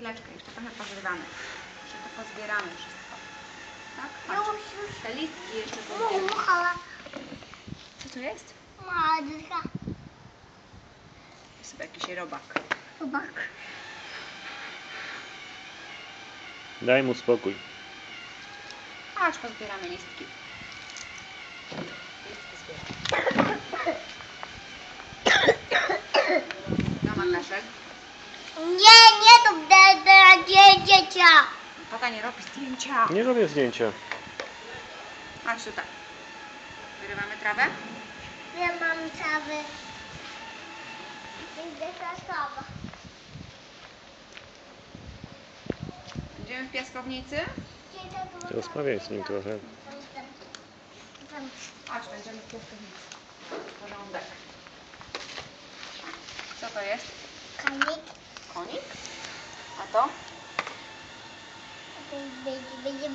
chwileczkę, jeszcze trochę pozbieramy. Jeszcze to pozbieramy wszystko. Tak? Już. Te listki jeszcze pozbieramy. Co to jest? Madra. Jest chyba jakiś robak. Robak. Daj mu spokój. Chodź, pozbieramy listki. Listki zbieramy. No, Makaszek. Nie to dla dziecię. Tata nie robi zdjęcia. Nie robię zdjęcia. Chodź tutaj. Wyrywamy trawę. Ja mam cały. Idę kasowa. Będziemy w piaskownicy. Rozmawiaj z nim trochę. Chodź, będziemy w piaskownicy. Porządek. Co to jest? Kanik. Konik? A to? Będzie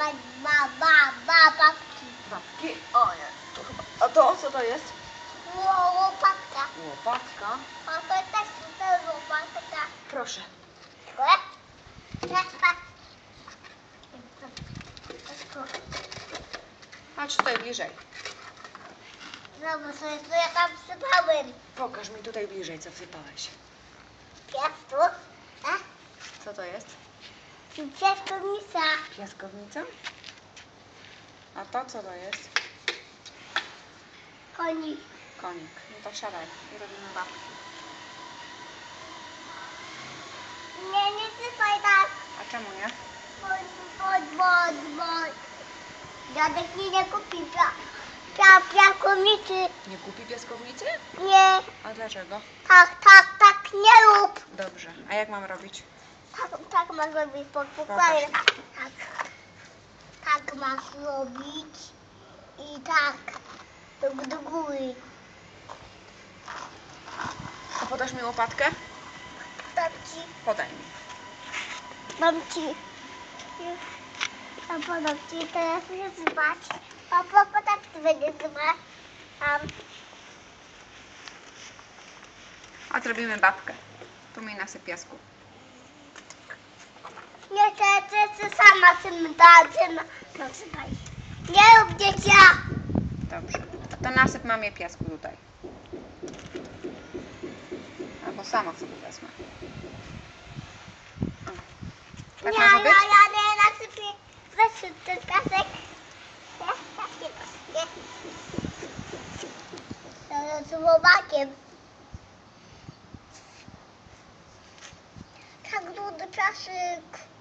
babki. Babki. O nie, to chyba. A to co to jest? Łopatka. Łopatka. A to też to łopatka. Proszę. Chodź tutaj bliżej. Zobacz, co ja tam wsypałem. Pokaż mi tutaj bliżej, co wsypałeś. Piasku. Co to jest? Piaskownica. Piaskownica? A to co to jest? Konik. Konik. No to siadaj i robimy babki. Nie sypaj tak. A czemu nie? Bo. Dziadek nie kupi piaskownicy. Nie kupi piaskownicy? Nie. A dlaczego? Tak, nie rób. Dobrze. A jak mam robić? Tak masz robić pod pokładem. Tak masz robić. I tak. Do góry. A podasz mi łopatkę? Dam ci. Podaj mi. Dam ci. A podam ci teraz nie zbać. Papa, tak ty będzie zbać. A zrobimy babkę. Tu mi nasyp piasku. Nie, ty sama tym nasypaj. Nie rób dziecia. Dobrze. To nasyp mamie piasku tutaj. Albo sama sobie wezmę. O. Tak Ja może być? nie nasypię. Weź ten kasek. Z łobakiem. Tak duży piasek.